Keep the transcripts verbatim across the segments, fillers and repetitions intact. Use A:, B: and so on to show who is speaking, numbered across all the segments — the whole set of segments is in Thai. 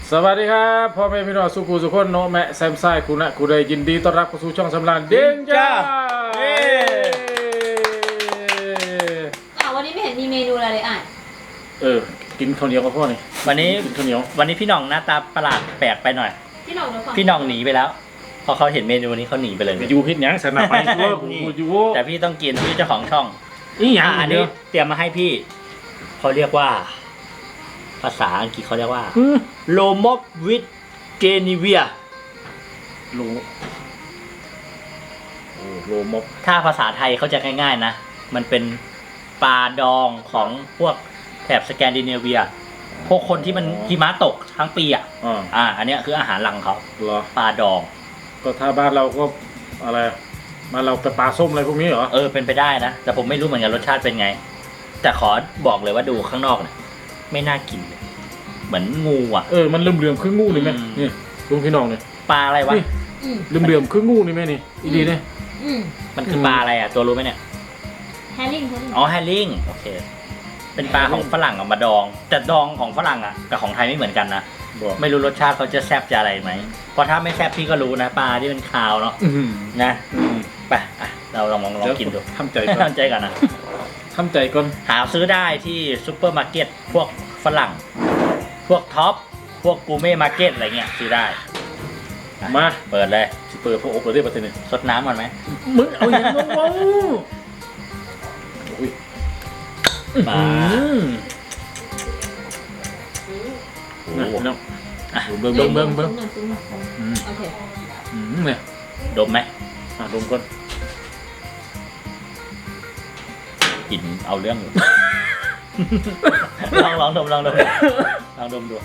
A: สวัสดีครับพ่อแม่พี่น้องสุขุสุขคนโนแมะแซมไซคุณนะคุณได้ยินดีต้อนรับเข้าสู่ช่องสำรานเด้งจ้าเอ้
B: อ่ะวันนี้ไม่เห็นมีเมนูอะไรเลยอ่ะ
A: เออกินข้าวเหนียวกับพ่อนี่
C: วันนี้
A: กินข้าวเหนียว
C: วันนี้พี่หน่องหน้าตาประหลาดแปลกไปหน่อย
B: พี่หน่องดูก่อน
C: พี่หน่องหนีไปแล้วพอเขาเห็นเมนูนี้เขาหนีไปเลย
A: อยู่พิษยังสนับไปทั่วอยู่
C: แต่พี่ต้องกินพี่เจ้าของช่อง
A: นี่อย่าง
C: อันนี้เตรียมมาให้พี่เขาเรียกว่าภาษาอังกฤษเขาเรียกว่าโลมอบวิทเกนิเวีย
A: โลโอ้โลมบ
C: ถ้าภาษาไทยเขาจะง่ายๆนะมันเป็นปลาดองของพวกแถบสแกนดิเนเวียพวกคนที่มันหิมะตกทั้งปีอ่ะอ่าอันนี้คืออาหารหลังเขาปลาดอง
A: ก็ถ้าบ้านเราก็อะไรมาเราไปปลาส้มอะไรพวกนี้เหรอ
C: เออเป็นไปได้นะแต่ผมไม่รู้เหมือนกันรสชาติเป็นไงแต่ขอบอกเลยว่าดูข้างนอกเนี่ยไม่น่ากินเลยเหมือนงูอ่ะ
A: เออมันเหลื่อมๆครึ่งงูนี่ไหมนี่ลุงพี่น้องเนี่ย
C: ปลาอะไรวะ
A: เหลื่อมๆครึ่งงูนี่ไหมนี่อีดีเนี่ย
C: มันคือปลาอะไรอ่ะตัวรู้ไหมเนี่ย
B: แฮร์ริ่ง
C: อ๋อแฮร์ริ่งโอเคเป็นปลาของฝรั่งเอามาดองแต่ดองของฝรั่งอ่ะกับของไทยไม่เหมือนกันนะไม่รู้รสชาติเขาจะแซ่บจะอะไรไหมเพราะถ้าไม่แซ่บพี่ก็รู้นะปลาที่เป็นคาวเนาะนะไปอ่ะเราลองลองกินดู
A: ทำใจก่อน
C: ทำใจก่อนนะ
A: ทำใจก่อน
C: หาซื้อได้ที่ซูเปอร์มาร์เก็ตพวกฝรั่งพวกท็อปพวกกูเม่มาร์เก็ตอะไรเงี้ยซื้อได้
A: มา
C: เปิดเลย
A: เปิดพวกโอ๊คเลยประเทศนี้
C: สดน้ำก่อนไหม
A: มึงเอาอย่างนั้นวะ
C: มา
A: โอ้โหเนาะเบิ้งเบิ้งเบิ้งเบิ้ง
B: โอเค
A: เนี่ย
C: ดมไหม
A: อ่ะดมก่อน
C: กลิ่นเอาเรื่องอยู่ลองลองดมลองดมลองดมดู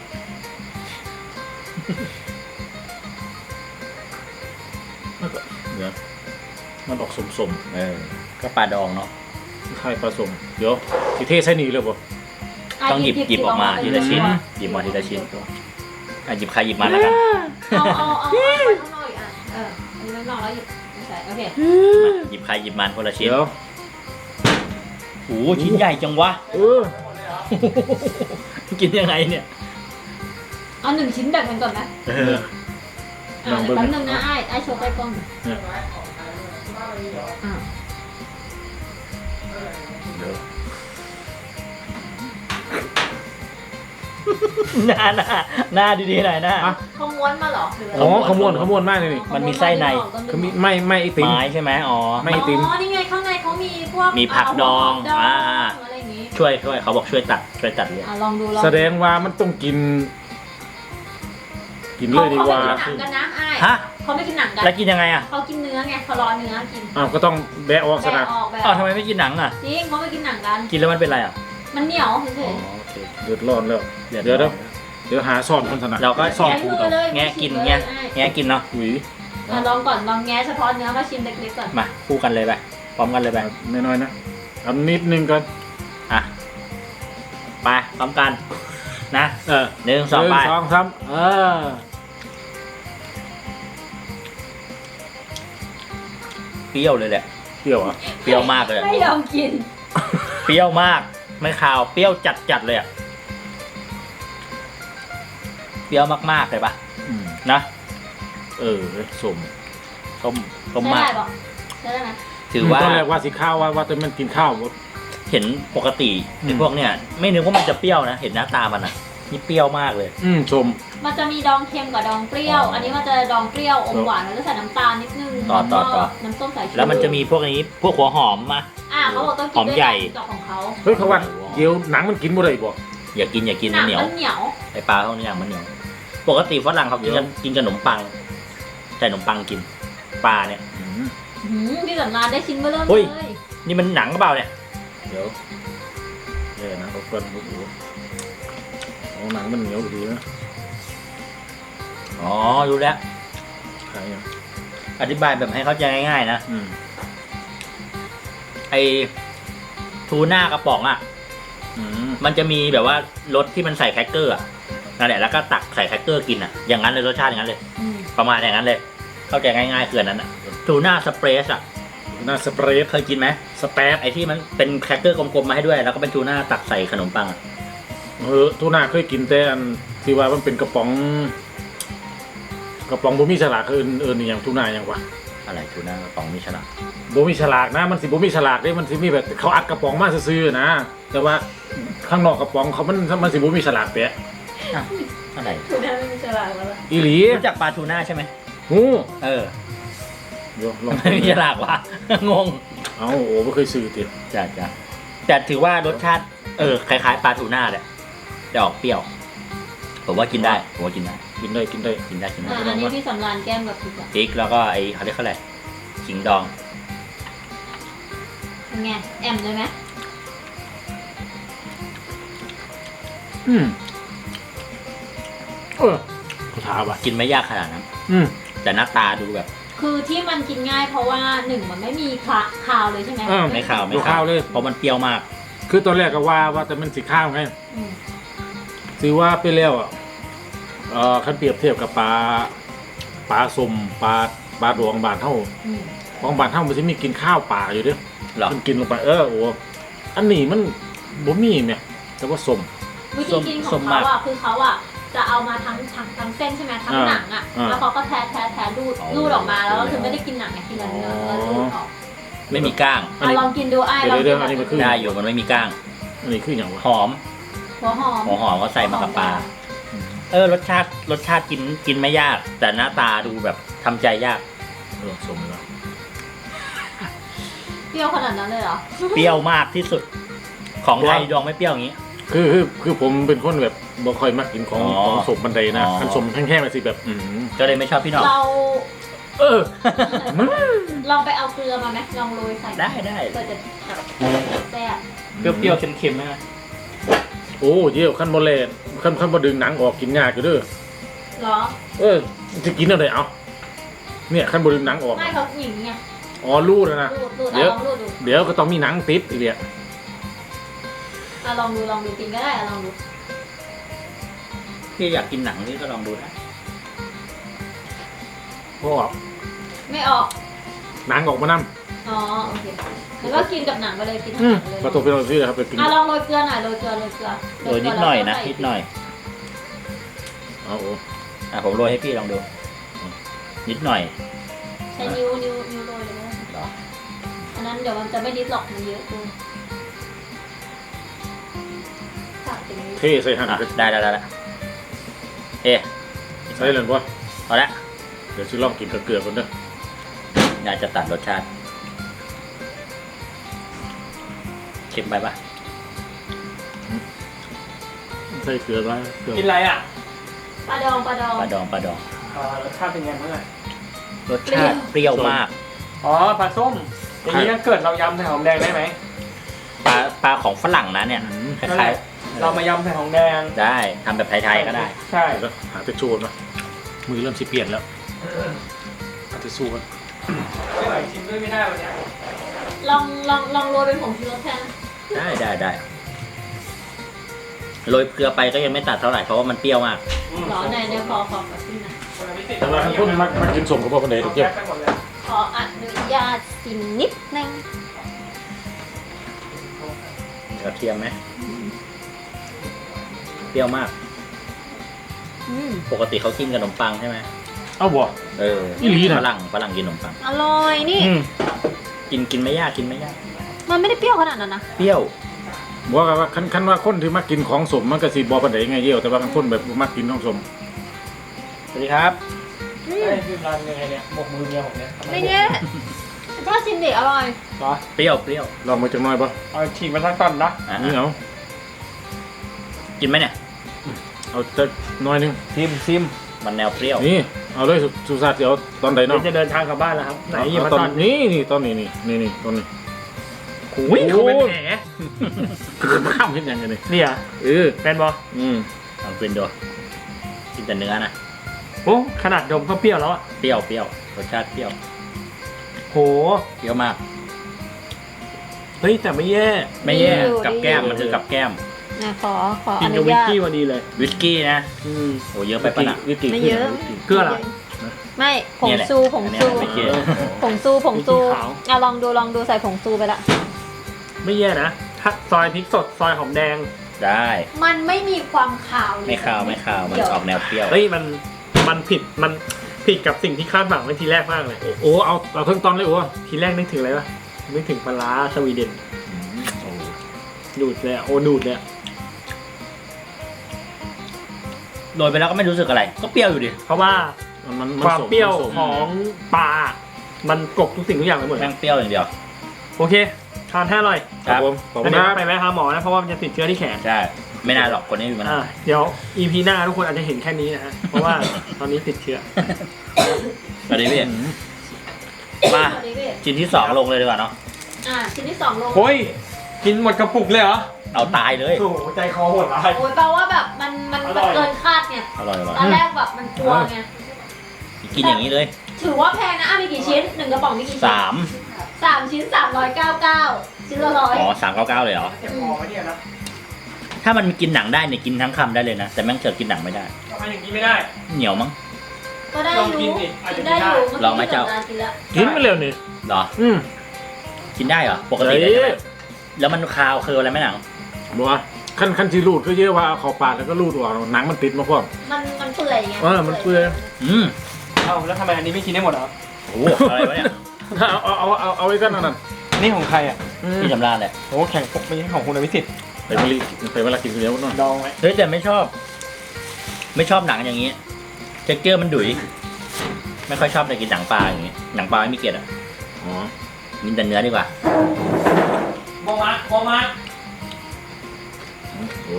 A: เดี๋ยวมันออกสมๆ
C: เออก็ปลาดองเนาะ
A: ไข่ผสมเดี๋ยวทีเทใส่หนีเลยป่ะ
C: ต้องหยิบหยิบออกมาทีละชิ้นหยิบมาทีละชิ้นอ่ะหยิบใครหยิบมาแล้วกัน
B: เอาเอาเอาข้างนอกอีกอ่ะเอออันนี้ข้างนอกแล้วหยิบใส่โอเค
C: หยิบใครหยิบมันคนละชิ้นโอ้ชิ้นใหญ่จังวะ
A: เออ
C: กินยังไงเนี่ย
B: เอาหนึ่งชิ้นแบ่งกันก่อนไหม
C: เออ
B: อ่าแป๊บนึงนะไอ้ไอ้โชว์ไปกล้องอ่า
C: หน้าหน้าหน้าดีๆหน่อยหน้า
B: ขม้วนมาหรอ
A: อ๋อขมวนขมวนมากเลยนี่
C: มันมีไส้ใน
A: คือมีไม่ไม่ไอติม
C: ไม้ใช่ไหมอ๋อ
A: ไม่ไอติม
B: อ๋อนี่ไงข้างในเขามีพวก
C: มีผักดองอ่าช่วยช่วยเขาบอกช่วยตัดช่วยตัดเลย
B: ลองดูลอง
A: แสดงว่ามันต้องกินกินเลยดีกว่า
B: เขาไม่กินหนังกันนะไอ้
C: ฮะ
B: เขาไม่กินหนังกัน
C: แล้วกินยังไงอ่ะ
B: เขากินเนื้อไงเขารอเนื้อกิน
A: อ้าวก็ต้องแบะออกซะนะ
C: อ้าวทำไมไม่กินหนังอ่ะ
B: จริงเขาไม่กินหนังกัน
C: กินแล้วมันเป็นไรอ่ะ
B: มันเหนียวเฉย
A: ๆเดือดร้อนแล้วเดี๋ยวเดี๋ยวเดี๋ยวหาซ่อนคนถนัด
C: เราก็
A: ซ่อน
C: คูต่อแงะกินแงะแงะกินเนาะ
A: อุ้ย
B: ลองก่อนลองแงะเฉพาะเนื้อมาชิมเล็กๆก่อน
C: มาคู่กันเลยไปพร้อมกันเลยไป
A: น้อยๆนะเอานิดนึงก่อน
C: อ่ะไปพร้อมกันนะ
A: เออ
C: หนึ่งสองไป
A: สองสามเออ
C: เปรี้ยวเลยแหละ
A: เปรี้ยวอ่ะ
C: เปรี้ยวมากเลย
B: ไม่ยอมกิน
C: เปรี้ยวมากไม่ขาวเปรี้ยวจัดจัดเลยอ่ะเปรี้ยวมากๆเลยปะนะ
A: เออสม
C: ส้มส้มมาก
B: ใช่ไหม
C: ถือว่า
A: ตอนแรกว่าสิข้าวว่าว่าแต่มันกินข้าว
C: เห็นปกติไอ้พวกเนี้ยไม่นึกว่ามันจะเปรี้ยวนะเห็นหน้าตามันอ่ะนี่เปรี้ยวมากเลย
A: อืมชม
B: มันจะมีดองเค็มกับดองเปรี้ยวอันนี้มันจะดองเปรี้ยวอมหวานแล้วก็ใส่น้ำตาลนิดนึง
C: ต่อต่อต่อ
B: น้ำส้มสายชู
C: แล้วมันจะมีพวกนี้พวกหัวหอมมา
B: อ่าเขาบอกต้องกินด้วยกับของเขา
A: เฮ้ยเขาว่าเกี๊ยวหนังมันกินบ่ได้บ่
C: อย่ากินอย่ากินมันเหนียว
B: มันเหนียว
C: ไอปลาพวกนี้อย่างมันเหนียวปกติฝรั่งเขากินกันกินขนมปังใส่ขนมปังกินปลาเนี่ย
B: พี่สำราญได้ชิ้นเบอร์เริ่ม
C: เลยนี่มันหนังหรือเปล่าเนี่ย
A: เดี๋ยวเดี๋ยวนะเขาเปิ้ลโอ้โหเอาหนังมันเหนียวดีนะ
C: อ๋อรู้แล้ว
A: ใช่
C: อธิบายแบบให้เข้าใจง่ายๆนะไอทูน่ากระป๋องอ่ะมันจะมีแบบว่ารสที่มันใส่แครกเกอร์อ่ะนั่นแหละแล้วก็ตักใส่แครกเกอร์กินอ่ะอย่างนั้นเลยรสชาติอย่างนั้นเลยประมาณอย่างนั้นเลยเข้าใจง่ายๆคือนั้นอ่ะทูน่าสเปรสอ่ะ
A: ทูน่าสเปรส
C: เคยกินไหม
A: สเปรส
C: ไอที่มันเป็นแครกเกอร์กลมๆมาให้ด้วยแล้วก็เป็นทูน่าตักใส่ขนมปัง
A: เออทูน่าเคยกินแต่อันที่ที่ว่ามันเป็นกระป๋อง กระป๋องบ่มีฉลากเอิ้นเอิ้นอหย่างทูน่าหยังวะ
C: อะไรทูน่ากระป๋องมีฉลาก
A: บ่มีฉลากนะมันสิบ่มีฉลากเด้มันสิมีแบบเขาอัดกระป๋องมาซื่อๆนะแต่ว่าข้างนอกกระป๋องเขามันมันสิบ่มีฉลากแปะ
C: อ้าวอะไร
B: คือได้ไม่มีฉลากแล้วล่ะ
A: อีหลี
C: รู้จักปลาทูน่าใช่ไหม
A: ฮู้
C: เออ
A: เดี๋ยวลอง
C: ไม่มีฉลากวะ งง
A: เอ้าโอ้บ่เคยซื้อติ
C: จ้ะจ้ะแต่ถือว่ารสชาติเออคล้ายๆปลาทูน่าแหละแต่ออกเปรี้ยวผมว่ากินได้ผมว่ากินได้
A: กินได้กินได้
C: กินได้กินได้
B: อ่ะอันนี้พี่สำรานแก้มกับพริกอะ
C: พริกแล้วก็ไอเขาเรียกเขาอะไรขิงดอง
B: เป็นไงแอมเลยไหม
A: อืมเออเขาถามว่ะ
C: กินไม่ยากขนาดนั้น
A: อืม
C: แต่หน้าตาดูแบบ
B: คือที่มันกินง่ายเพราะว่าหนึ่งมันไม่มีคาคาวเลยใช่ไหม
A: อ่า
C: ไม่ขาวไม่
A: ดูข้าวเลย
C: เพราะมันเปรี้ยวมาก
A: คือตอนแรกก็ว่าว่าแต่มันสิข้าวไง
B: อืม
A: ซื้อว่าไปแล้วอ่ะเอ่อคันเปรียบเทียบกับปลาปลาสมปลาปลาดวงบานเท่า
B: อืม
A: ของบานเท่ามันจะมีกินข้าวป่าอยู่เด้วย
C: เหรอ
A: มันกินลงไปเออโอ้อันนี้มันบ่มีแม่แต่ว่าสม
B: วิธีกินของเขาอ่ะคือเขาอ่ะจะเอามาทั้งทั้งทั้งเส้นใช่ไหมทั้ง
A: อ่า
B: หนังอ่ะ
A: อ่า
B: แล้วเขาก็แทะแทะแทะรูดรูดออกมาแล้วก็คือไม่ได้กินหนังไงกินเนื้อเนื้อเนื้อรูดออก
C: ไม่มีก้าง
A: อันนี้
B: อ่ะลองกินดูไอ้ลอง
A: เดี๋
B: กิ
A: ยวน ๆอันนี้มันคือ
C: ได้อยู่มันไม่มีก้าง
A: อันนี้คืออย่างวะ
C: หอม
B: หัวหอม
C: หัวหอมเขาใส่มากับปลาเออรสชาติรสชาติกินกินไม่ยาก แต่หน้าตาดูแบบทำใจยาก
A: เออสมแล้ว
B: เปรี้ยวขนาดนั้นเลยเหรอ
C: เปรี้ยวมากที่สุด ของไทยดองไม่เปรี้ยวอย่างนี้
A: คือคือคือผมเป็นคนแบบบ่ค่อยมักกินของ
C: อ๋อ
A: ของสมบันไดนะ
C: อ๋อ
A: คันสมแห้งๆมันสิแบบอืม
C: ก็เลยไม่ชอบพี่หน้อง
B: เรา
A: เออ
B: ลองไปเอาเกลือมาไหมลองโรยใส่
C: ได้ได้
B: เพื่อจะแบบแซ่บ
C: เปรี้ยวๆเค็มๆไหม
A: โอ้เยี่ยวขั้นบ่แลนขั้นขั้นบ่ดึงหนังออกกินยากอยู่เด้อ
B: เหรอ
A: เออจะกินอะไรเอาเนี่ยขั้นบ่ดึงหนังออก
B: ไม่เขาหญิงไง
A: อ๋อรูดแล้วนะ
B: รูดรูด
A: เดี๋ยว
B: อ่ะลองรูดดู
A: เดี๋ยวก็ต้องมีหนังติดอีกเนี่ย
B: อ่ะลองดูลองดูกินก็ได้อ่ะลองดู
C: พี่อยากกินหนังนี่ก็ลองดูนะ
A: เพราะว่า
B: ไม่ออก
A: หนังออกมานํ
B: อ๋อโอเคแล้วก็กินกับหนังไปเลยกินกับ
A: อื
B: ห
A: ม
B: นังไปเลย
A: ก็ต้องไปเอาซื้อครับไปกิน
B: อ่ะลองโรยเกลือหน่อยโรยเกลือโรยเกลือ
C: โรยนิดหน่อยนะนิดหน่อย
A: เอาโอ้
C: อ่ะผมโรยให้พี่ลองดู นิดหน่อย
B: ใช้นิ้วนิ้วนิ้วโรยเลยนะ
C: เหรอ
B: อันนั้นเดี๋ยวมันจะไม่นิดหรอกมันเยอะเกินตัดอย่างนี้
A: เทใส่หั่น
C: อ่ะได้ได้ได้ได้เอ๊ะ
A: ใส่เลยบ่
C: เอาละ
A: เดี๋ยวสิลองกินกับเกลือก่อนเด้อ
C: น่าจะตัดรสชาติเค็มไปปะ
A: ใส่เกลือไว้เกลือ
D: กินอะไรอ่ะ
B: ปลาดองปลาดอง
C: ปลาดองปลาดอง
D: อ่ารสชาติเป็นไงบ้างอ่ะ
C: รสชาติเปรี้ยวมาก
D: อ๋อปลาส้ม อย่างนี้ถ้าเกิดเรายำใส่หอมแดงได้ไหม
C: ปลาปลาของฝรั่งนะเนี่ย
A: อืม
C: ค
D: นั่น
C: ล้า
D: แห
C: ย
D: ละเรามายำใส่หอมแดง
C: ๆได้ทำแบบไทยๆก็ได้
D: ใช่
A: เดี๋ยวหาแต่ชูนมามือเริ่มสิเปลี่ยนแล้วหาแต่สู้กัน
D: ไม่ไหวชิมด้วยไม่ได้วันเนี้ย
B: ลองลองลองโรยเป็นผงชูรสแทน
C: ได้ได้ได้โรยเกลือไปก็ยังไม่ตัดเท่าไหร่เพราะว่ามันเปรี้ยวมาก
B: หรอในในพอขอแบบนี้นะ
A: แต่ว่าคันคนมักมักกินสมกับบ่ปานใดดอกเจ้า
D: ไปหมดเลย
B: ขออนุญาตกินนิดนึง
C: กระเทียมไหมเปรี้ยวมาก
B: อืม
C: ปกติเขากินกับขนมปังใช่ไหม
A: เอาบ่
C: เออ
A: อีหลีน่ะ
C: ฝรั่งฝรั่งกินขนมปัง
B: อร่อยนี่
A: อืม
C: กินกินไม่ยากกินไม่ยาก
B: มันไม่ได้เปรี้ยวขนาดนั้นนะ
C: เปรี้ยว
A: บอกว่าคันคันว่าคนที่มักกินของสมมันก็สิบ่ปานใดไงเยี่ยวแต่ว่าคันคนแบบบ่มักกินของสม
C: สวัสดีครับ
B: อืม
D: ไอ้ยคือร้านยังไงเนี่ยหมกมือเมียผมเนี่ย
B: ไม่แย่ถ้าชิมดิอร่อย
D: เหรอ
C: เปรี้ยวเปรี้ยว
A: ลองมาจักหน่อยบ่
D: เอาฉีกมาสักตอนนะ
C: อ่ะ
A: นี่เอา
C: กินไหมเนี่ย
A: เอาจักหน่อยหนึง
D: ซิมซิม
C: มันแนวเปรี้ยว
A: นี่เอาเลยสุสุสาสิเอาตอนใด
D: เดี๋ย
A: เนาะ
D: วจะเดินทางกลับบ้านแล้วครับ ไหนหยิบ
A: เอา
D: มา
A: ตอ
D: ตอน น
A: นี้นี่ตอนนี้นี่นี่นี่ตอนนี้
D: อุ้ยเขาเป็นแผล
A: คือมาข้ามเฮ็ดหยังไงนี่
D: เนี่ย
A: เออ
D: เป็นบอ
A: อืม
C: ลองกินดูกินแต่เนื้อนะ
D: โอ้ขนาดดมก็เปรี้ยวแล้วอ่ะ
C: เปรี้ยวเปรี้ยวรสชาติเปรี้ยว
D: โห
C: เปรี้ยวมาก
D: เฮ้ยแต่ไม่แย่
C: ไม่แย่
B: ดีอยู่
C: กับแก้ม
B: ดีอยู่
C: มันคือกับแก้ม
B: นะขอขอ
D: กิ
B: อน
D: กับ
B: นุ
D: วิส
B: ญาต
D: กี้พอดีเลย
C: วิสกี้นะ
D: อืม
C: โอ้เยอะไปปะน่ะ
A: วิกิ
B: ไม่เยอะ
A: วิกิ
D: เกลือเหรอ
B: ไม่ผง
C: เนี่ยแหละ
B: ซูผง
C: อันเนี้ย
B: ซู
C: ไม่เกลือ
B: ผงซูผงซู
D: พริกขาว
B: อ่ะลองดูลองดูใส่ผงซูไปละ
D: ไม่แย่นะถ้าซอยพริกสดซอยหอมแดง
C: ได้
B: มันไม่มีความขาวเลย
C: ไม่คาวไม่คาวมัน
B: เดี๋ยว
C: ออกแนวเปรี้ยว
D: เฮ้ยมันมันผิดมันผิดกับสิ่งที่คาดหวังไว้ทีแรกมากเลย
A: โอ้เอาเอาเครื่องตอนเลยโอ้
D: ทีแรกนึกถึงอะไรวะนึกถึงปลาร้าสวีเดนดูดเลยอะโอ้ดูดเลยอะ
C: โรยไปแล้วก็ไม่รู้สึกอะไร ก็เปรี้ยวอยู่ดิ
D: เพราะว่า
A: มันมัน
D: ความเปรี้ยว
A: มันสม
D: ของปลา มันกลบทุกสิ่งทุกอย่างไปหมดเล
C: แม่
D: ย
C: งเปรี้ยวอย่างเดียว
D: โอเคทานให้อร่อย
A: ครับผมขอบคุ
D: แล้ว
A: ณ
D: เดี๋ยว
A: ครับ
D: ไปแวะหาหมอนะเพราะว่ามันจะติดเชื้อที่แขน
C: ใช่ ไม่นานหรอกคนนี้มีมัน
D: อ่าเดี๋ยว อี พี หน้าทุกคนอาจจะเห็นแค่นี้นะฮะเพราะว่าตอนนี้ติดเชื้อ
C: สวัสดีพี่ มา
B: สวัสดีพี่
C: ชิ้นที่สองลงเลยดีกว่าเนาะ
B: อ่ะชิ้นที่สองลง
D: โอ้ยกินหมดกระปุกเลยเหรอ
C: เอาตายเลย
D: โอ้โหใจคอโหดร้าย
B: โอ้ยแปลว่าแบบมันมัน
D: อ
B: มัน
D: ร่อย
B: เกินคาดไง
C: อร่อยอร่อย
B: ตอนแรกแบบมันกลัวไง
C: กินอย่างนี้เลย
B: ถือว่าแพงนะอ่ะมีกี่ชิ้นหนึ่งกระป๋องมีกี่ชิ้น
C: สาม
B: สามชิ้นสามร้อยเก้าเก้าชิ้นละร้อย
C: อ๋อสามเก้าเก้าเลยเหรอ
D: เจ็บคอไหมเนี่ยนะ
C: ถ้ามันกินหนังได้เนี่ยกินทั้งคำได้เลยนะ แต่แม่งเจอกินหนังไม่ได้
D: ทำไมอย่างนี้ไม่ได้
C: เหนียวมั้ง
B: ก็ได้
D: ลอง
B: อยู่
D: กินดิอาจจะ
B: กินได้อยู่
C: ลองไหมเจ้า
B: มื่อกี้ที่สำรญกินแล้ว
A: กินไปเร็วนี่
C: เหรอ
A: อืม
C: กินได้เหรอ ปกติ
A: เฮ้
C: ได้ใช่ไหม
A: ย
C: แล้วมันคาวคืออะไรไหมหนัง
A: บอกว่าขั้นขั้นที่รูดก็เยอะว่าเอาเข้าปากแล้วก็รูดออกหนังมันติดมาพร้อม
B: มันมันเปื่อยไง
A: เออมันเปื่อย
C: อืม
D: เอ้าแล้วทำไมอันนี้ไม่กินได้หมดเหรอ
C: โอ้โหอะไรวะเนี่ย
A: เอาเอาเอาเอาเอาไว้กันนั่นน่ะ
D: นี่ของใครอ่ะ
A: อืม
C: พี่จำราญเลย
D: โอ้แข่งปกไม่ใช่ของคุณอภิสิทธิ์
A: ไปมาลีไปเวลากินคนเดียวเนาะ
D: ดองไว้
C: เฮ้ยแต่ไม่ชอบ ไม่ชอบหนังอย่างนี้เท็กเจอร์มันดุยไม่ค่อยชอบเลยกินหนังปลาอย่างนี้ หนังปลาไม่มีเกล็ดอ่ะ
A: อ๋อ
C: กินแต่เนื้อดีกว่า
D: โบมาโบมา
A: โอ้โห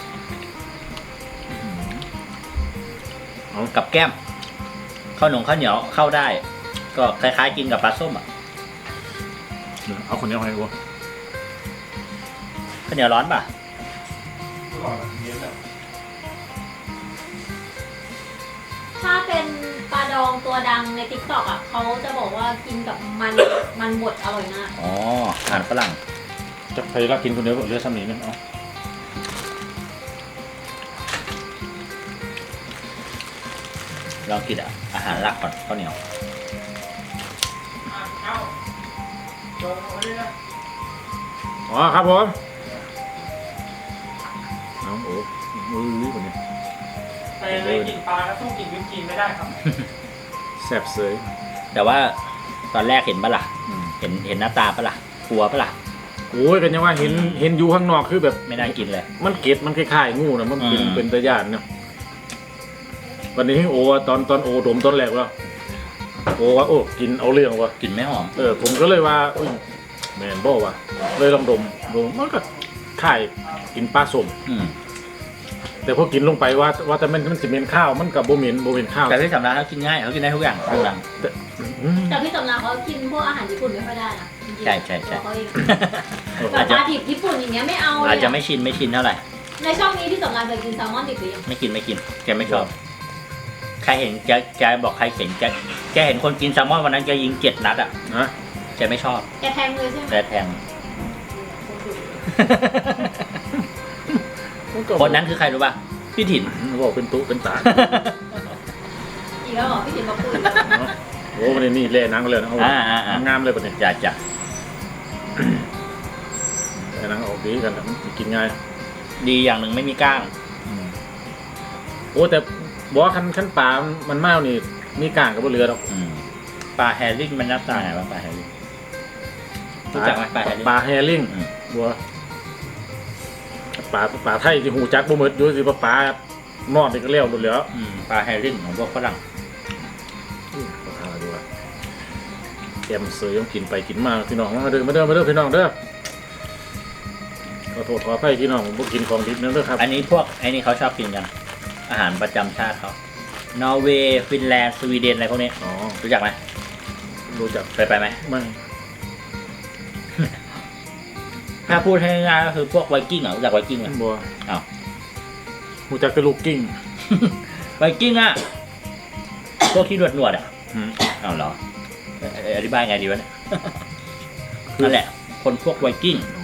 C: เอากับแก้มข้าวหนงข้าวเหนียวเข้าได้ ก็คล้ายๆกินกับปลาส้มอ่ะ
A: เอาคนเดียวให้กู
C: ข้าวเหนียวร้อนป่ะ
B: ถ้าเป็นปลาดองตัวดังในติ๊กต็อกอ่ะเขาจะบอกว่ากินกับมันมันบดอร่อยมาก
C: อ๋ออาหารฝรั่ง
A: จะไปรักกินคนเดียวเหลือซ้ำนี้นึงเอา
C: ลองกินอ่ะอาหารหลักก่อนข้าวเหนียว
D: เอ้าโดนเอาไว้ด้วยนะ
A: อ๋อครับผมเอาโอ้มือรีบกว่านี้
D: ไปเลยกินปลาแล้วสู้กินวิปครีมไม่ได้ครับ
A: แซ่บเสย
C: แต่ว่าตอนแรกเห็นปะล่ะ
A: อืม
C: เห็นเห็นหน้าตาปะล่ะกลัวปะล่ะ
A: โอ้ยกันยังว่าเห็นเห็นอยู่ข้างนอกคือแบบ
C: ไม่น่ากินเลย
A: มันเก็ดมันคล้ายๆงูนะมันเป็น
C: อืม
A: เป็นตะย่านเนาะวันนี้โอว่าตอนตอนโอดมตอนแรกว่าโอว่าโอ้กินเอาเรื่องว่ะ
C: กลิ่นไม่หอม
A: เออผมก็เลยว่าอุ้ยแมนบ่ว่ะเลยลองดมดมมันก็คล้ายกินปลาส้ม
C: อืม
A: แต่พอกินลงไปว่าว่าแต่มันมันสิเหม็นข้าวมันกับโบเหม็นโบเหม็นข้าว
C: แต่ที่สำราญเขากินง่ายเขากินได้ทุกอย่างทุกอย่าง
A: แต่อืม
B: แต่พี่สำรานเขากินพวกอาหารญี่ปุ่นไม่ค่อยได้นะจริงๆ
C: ใช่ใช่ใช่
B: ตัวเขาเอง
C: อา
B: แบ
C: จ
B: บ
C: จะ
B: ปลาดิบญี่ปุ่นอย่างเงี้ยไม่เอาเลย
C: อาจจะ
B: อะ
C: ไม่ชินไม่ชินเท่าไหร่
B: ในช่องนี้พี่สำรานเคยกินแซลมอนดิบหรือยัง
C: ไม่กินไม่กินแกไม่ชอบใครเห็นแกแกบอกใครเห็นแกแกเห็นคนกินแซลมอนวันนั้นแกยิงเจ็ดนัดอ่ะ
A: นะ
C: แกไม่ชอบ
B: แกแทงเลยใช่ไหม
C: แกแทง คนนั้นคือใครรู้ป่ะพี่ถิ่น
A: บอกเป็นตุ๊เป็นตา
B: อีกแล้วเหรอพี่ถิ่นมาพูด
A: เนาะโอ้วันนี้นี่เล่นังเลยนะเอา
C: อ่าอ่าอ่าง
A: ามเลยปะเนี่ย
C: จะจะ
A: เล่นังออกดีกันนะมันกินง่าย
C: ดีอย่างหนึ่งไม่มีก้าง
A: อืมโอ้แต่บอกว่าคันคันปลามันเมานี่มีกลางกับบนเรือหรอก
C: อืมปลาแฮร์ริ่งมันหน้าตาไงวะปลาแฮร์ริ่งรู้จักไหมปลาแฮร์ริ่ง
A: ปลาแฮริ่ง
C: อืม
A: บัวปลาปลาไทยที่หูจักบ่หมดอยู่สิปลาปลานอดนี่ก็เลี้ยวหมดแล้ว
C: อืมปลาแฮร์ริ่งของพวกฝรั่ง
A: ขอทานดูว่าแกมเสือยังกินไปกินมาพี่น้องมาเด้อมาเด้อมาเด้อพี่น้องเด้อขอโทษขออภัยพี่น้องผมบ่กินของดิบนั่นเด้อครับ
C: อันนี้พวกไอ้นี่เขาชอบกินกันอาหารประจำชาติเขานอร์เวย์ฟินแลนด์สวีเดนอะไรพวกนี้
A: อ๋อ
C: รู้จักไหม
A: รู้จัก
C: ไปไปไหม
A: ไม่
C: ถ้าพูดให้ง่ายๆก็คือพวกไวกิ้งอ่ะรู้จักไวกิ้งไหม
A: บัว
C: อ้าว
A: หูจักแต่ลูกกิ้ง
C: ไวกิ้งอ่ะพวกที่หนวดหนวดๆอ่ะ
A: อืม
C: อ้าวเหรอเอ่อเอ่ออธิบายไงดีวะเนี่ย นั่นแหละ คนพวกไวกิ้ง
A: อ๋อ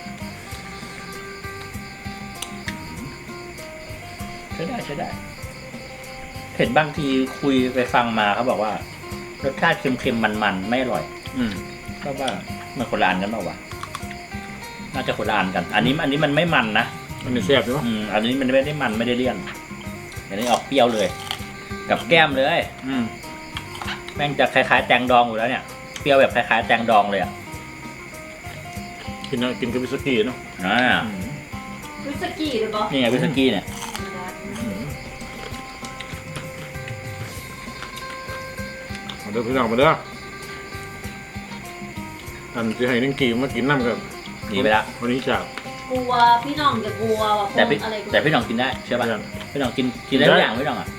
C: ใช้ได้ใช้ได้ เห็นบางทีคุยไปฟังมาเขาบอกว่ารสชาติเค็มๆมันๆไม่อร่อย
A: อืม
C: ก็ว่ามันคนละอันกันเปล่าวะน่าจะคนละอันกัน อันนี้อันนี้มันไม่มันนะ
A: อันนี้แซ่บใช่ปะ
C: อืมอันนี้มันไม่ได้มันไม่ได้เลี่ยนอันนี้ออกเปรี้ยวเลย กับแก้มเลย
A: อืม
C: แม่งจะคล้ายๆแตงดองอยู่แล้วเนี่ยเปรี้ยวแบบคล้ายๆแตงดองเลยอ่ะ
A: กินนะกินกับวิสกี้เนาะ
C: อ่า
A: อืม
B: วิสกี้หรือเปล่า
C: นี่ไงวิสกี้เนี่ย
A: อืมมาเด้อพี่น้องมาเด้ออันที่ให้นังกีมากินน้ำกับ
C: หนีไปละ
A: วันนี้จาก
B: กลัวพี่น้องจะกลัวว่าพ
C: แต่
B: ว
C: พี่
B: กอะไร
C: แต่พี่หน้องกินได้เชื่อป่ะ
A: เพื่อน
C: พี่หน้องกินกินได้
A: กินได้
C: ทุกอย่างพี่หน้องอ่ะ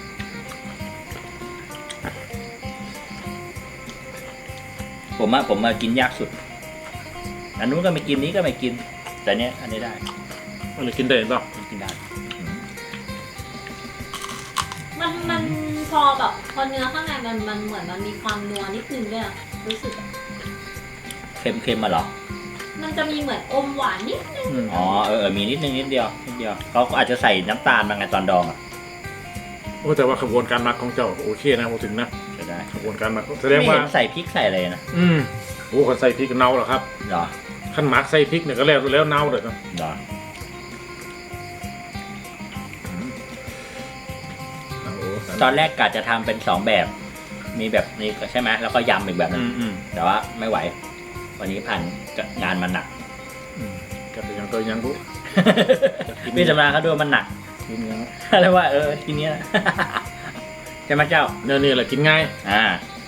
C: ผมอะผมมากินยากสุดอันนู้นก็ไม่กินนี้ก็ไม่กิน แต่เนี้ยอันนี้ได้
A: อันนี้กินได้เปล่า
C: กินได้
B: มันมันพอแบบพอเนื้อข้างในมันมันเหมือนมันมีความนัวนิดนึงด้วยอะรู้สึกอะ
C: เค็มๆมาเหรอ
B: มันจะมีเหมือนอมหวานนิดนึง
A: อืม
C: อ๋อเออเออมีนิดนึงนิดเดียวนิดเดียวเขาอาจจะใส่น้ำตาลมาไงตอนดองอ่ะ
A: โอ้แต่ว่าขบวนการหมักของเจ้าโอเคนะพูดถึงนะ
C: จะได้
A: ขบวนการหมักแสด
C: ไม่
A: ง
C: เห็
A: ว่า
C: นใส่พริกใส่อะไรนะ
A: อืมโอ้คนใส่พริกเน่าเหรอครับ
C: เหรอ
A: ขั้นหมักใส่พริกเนี่ยก็แล้วแล้วเน่าเลยนะ
C: เหรอ
A: โอ้โห
C: ตอนแรกกะจะทำเป็นสองแบบ มีแบบนี้ใช่ไหมแล้วก็ยำอีกแบบหนึ
A: อื
C: ง
A: มอืม
C: แต่ว่าไม่ไหว วันนี้ผ่านงานมันหนัก
A: อืมกับยังตัวยังรู้
C: พี่สำราญเขาดูมันหนัก
A: กินยัง
C: แล้วว่าเออทีเนี้ย ใช่ไหมเจ้า
A: เนี่ยนี่แหละกินง่าย
C: อ่า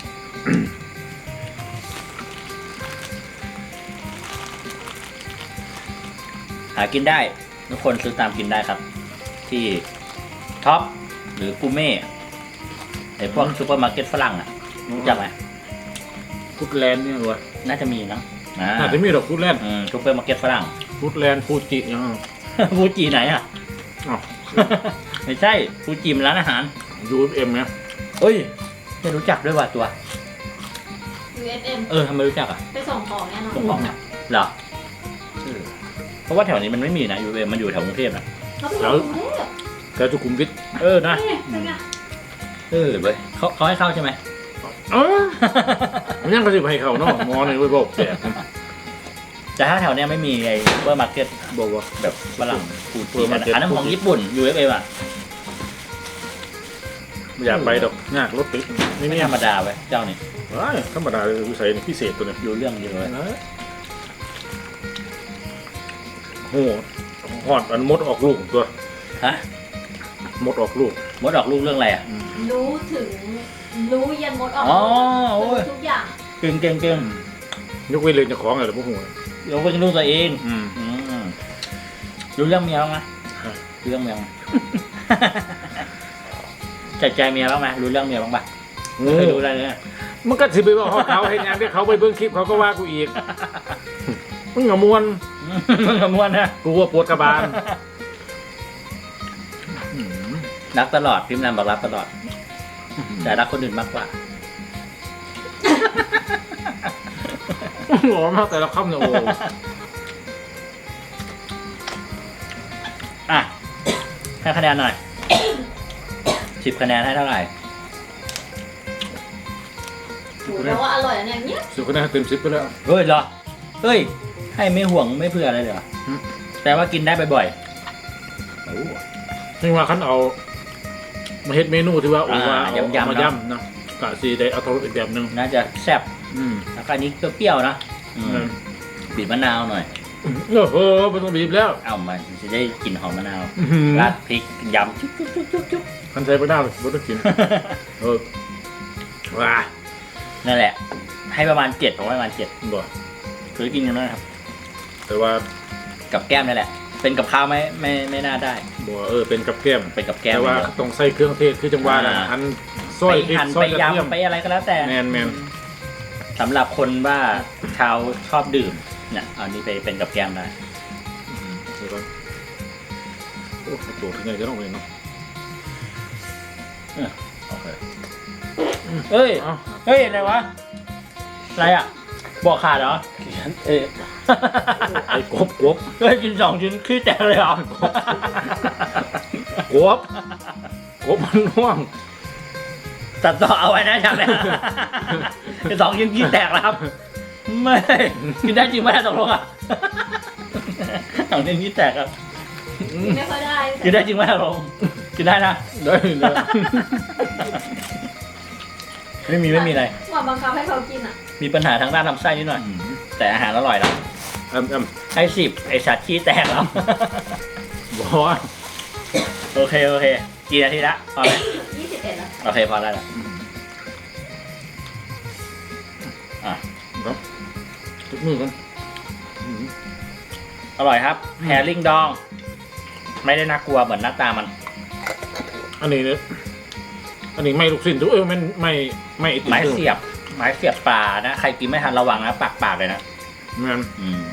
C: หากินได้ ทุกคนซื้อตามกินได้ครับ ที่ท็อปหรือกูเม่ไอพวกซูเปอร์มาร์เก็ตฝรั่งอ่ะรู้จักไหม
A: ฟูดแลนด์เนี่ยวะ
C: น่าจะมีเนอะอ่า
A: น่าจะมีดอกฟูดแลนด์
C: อืมซูเปอร์มาร์เก็ตฝรั่ง
A: ฟูดแลนด์ฟูจิยัง
C: ฟูจิไหนอ่ะ
A: อ๋อ
C: ไม่ใช่ฟูจิมันร้านอาหาร
A: ยูเอ็มเนี่ย
C: เฮ้ยไม่รู้จักด้วยว่ะตัว
B: ยู เอส เอ็ม
C: เออทำไมรู้จักอ่ะ
B: ไปส่งของแน่นอน
C: ส่งของเนี่ยเหรอเออเพราะว่าแถวนี้มันไม่มีนะยูเอมันอยู่แถวกรุงเทพนะ
B: เขาไปส่งกรุงเทพ
A: แกจุกุมวิท
C: เออนะ
B: เอ๊ะเป็นไง
C: เออเว้ยเขาเขาให้เข้าใช่ไหม
A: เออมันยังกระสิบให้เขาเนาะมอในไว้บอกแก
C: แต่ถ้าแถวเนี้ยไม่มีไอ้ซูเปอร์มาร์เก็ต
A: บอกว่า
C: แบบฝรั่งฟูจิ
A: Supermarket
C: อันนั้นของญี่ปุ่น ยู เอฟ เอ อ่ะ
A: ไม่อยากไปดอกยากรถติดนี่
C: ไม่
A: นี่
C: ธรรมดาเว้ยเจ้านี่
A: ว้ายธรรมดาเลยวิสัยนี่พิเศษตัวเนี่ย
C: รู้เรื่องเยอะเลย
A: โอ้โหหอดอันมดออกลูกตัว
C: ฮะ
A: มดออกลูก
C: มดออกลูกเรื่องอะไรอ่ะ
B: รู้ถึงรู้ยันมดออก
C: อ๋อโอ้ย
B: รู้ทุกอย่าง
C: เก่งเก่งเก่ง
A: ยกเว้นเลยเจะของอะไรพวกหัว
C: เดี๋ยวเป็นลูกตัวเอง
A: อืม
C: อืมรู้เรื่องเมียบ้างไหม
A: ฮะ
C: รู้เรื่องเมียบ้างไหม ใจใจเมียบ้างไหมรู้เรื่องเมียบ้างปะไม่เคยรู้อะไรเลย
A: มันก็สิไปบอกเขาเห็นอย่างที่เขาไปเบิ่งคลิปเขาก็ว่ากูอีกมึงอย่ามวน
C: มึงขมวนนะ
A: กูว่าปวดกระบาล
C: รักตลอดพิมพ์นำบอกรักตลอด แต่รักคนอื่นมากกว่า
A: หลอมากแต่ละคำเนี่ยโอ้
C: อ่ะให้คะแนนหน่อย สิบคะแนนให้เท่าไหร่
B: โหแปลว่าอร่อยอันอย่างเนี้ย
A: สุดคะแนนเต็มสิบไปแล้ว
C: เฮ้ยเหรอ เฮ้ย ให้ไม่ห่วงไม่เผื่ออะไรเลยเหรอ
A: อืม
C: แต่ว่ากินได้บ่อยๆโอ้
A: นี่ว่าคันเอามาเฮ็ดเมนูที่ว่าโอ้ว่า
C: อ่า
A: เอา
C: ยำๆ
A: มา
C: เนอะ
A: ย่ำนะกะสีได้เอาทรสอีกแบบหนึง
C: น่าจะแซ่บ
A: อืม
C: แล้วก็อันนี้เปรี้ยวๆนะอืมบีบมะนาวหน่อย
A: โอ้โหไม่ต้องบีบแล้ว
C: เอามันจะได้กลิ่นหอมมะนาว
A: อื้อหือ
C: ราดพริกยำจุ๊บจุ๊บจุ๊บจุ๊บจุ๊บ
A: คันใส่ไปได้เลยไม่ต้องกิน เออว้า
C: นั่นแหละ ให้ประมาณเจ็ดผมให้ประมาณเจ็ด
A: บ่
C: คือกินกันนะครับ
A: แต่ว่า
C: กับแก้มนั่นแหละ เป็นกับข้าวไม่ไม่ไม่น่าได้
A: บ่เออเป็นกับแก้ม
C: เป็นกับแก้ม
A: แต่ว่าต้องใส่เครื่องเทศคือจังหวะนั้น
C: อ่า
A: หั่นซอย
C: ไป
A: พริก
C: หั่น
A: ซอ
C: ไป
A: ยกระเทียม
C: ยำไปอะไรก็แล้วแต่
A: แมนแมน
C: สำหรับคนว่าชาวชอบดื่มเนี่ยเอานี้ไปเป็นกับแก้มได้
A: อืมเดี๋ยวก่อนโอ้ตัวที่ไหนจะต้องเลยเนาะ
C: โอเคเฮ้ย
A: เอ้า
C: เฮ้ยอะไรวะอะไรอ่ะบอกขาดเหรอเอ้ย
A: ไอ้กบกบ
C: เฮ้ยกินสองชิ้นขี้แตกเลยเหรอก
A: บกบมันน่วง
C: ตัดต่อเอาไว้นะฉากเนี้ยกินสองชิ้นขี้แตกแล้วครับไม่กินได้จริงไหมตกลงอ่ะสองชิ้นขี้แตกครับ
B: กินไม่ค่อยได้
C: กินได้จริงไหมอารมณ์กินได้นะ
A: ได้เลย
C: ไม่มีไม่มีอะไร
B: หมอบังคับให้เขากินอ่ะ
C: มีปัญหาทางด้านลำไส้นิดหน่อย แต่อาหารอร่อยแล้ว
A: แอมแอม
C: ให้สิบไอสัตว์ขี้แตกแล้ว
A: บอกว่า
C: โอเคโอเคกี่นาทีละพอไหม
B: ยี่สิบเอ็ดแล้ว
C: โอเคพอได้แล้วอ่ะ
A: ครับทุกมือกัน
C: อร่อยครับแฮริ่งดอง ไม่ได้น่ากลัวเหมือนหน้าตามัน
A: อันนี้เนี่ยอันนี้ไม่ลูกสิ้นทุกเออไม่ไม่ไม่ไอติ
C: ไม้เสียบ ไม้เสียบปลานะ ใครกินไม่ทันระวังนะปากปากเลยนะ
A: แมัน
C: อืม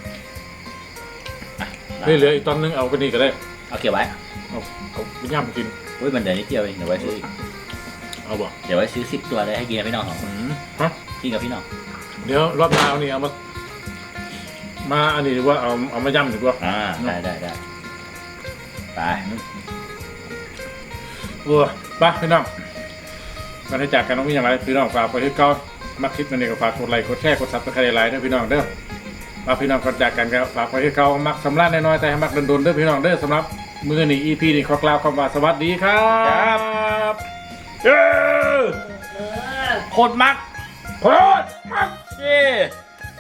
C: อ่ะ
A: เหลืออีกตอนนึงเอาไปนี่ก็ได้
C: เอาเก็บไว้
A: เอาเอาไปย่ำไปกิน
C: อุ้ยมันเดี๋ยวนิดเดียวเองเดี๋ยวไว้ซื้ออีก
A: เอาบ่
C: เดี๋ยวไว้ซื้อสิบตัวเลยให้กินกับพี่น้องสองคน
A: อืมฮะ
C: กินกับพี่น้อง
A: เดี๋ยวรอบหน้าเอานี่เอามามาอันนี้ดีกว่าเอาเอามาย่ำดีกว่า
C: อ่าได้ได้ได้ไป
A: เออไปพี่น้องการให้จากกันต้องมีอย่างไรพี่น้องฝากไปที่เก้ามักคลิปนั่นเองก็ฝากกดไลค์กดแชร์กดซับสไครต์ไลค์ด้วยพี่น้องเด้อฝากพี่น้องก่อนจากกันก็ฝากไปที่เก้ามักสำลักน้อยๆแต่ให้มักโดนๆเด้อพี่น้องเด้อสำหรับมือนี้ อี พี นี้ขอกล่าวคำว่าสวัสดีครับเย้
B: เออ
C: โคตรมัก
A: โคตรมัก
C: เย้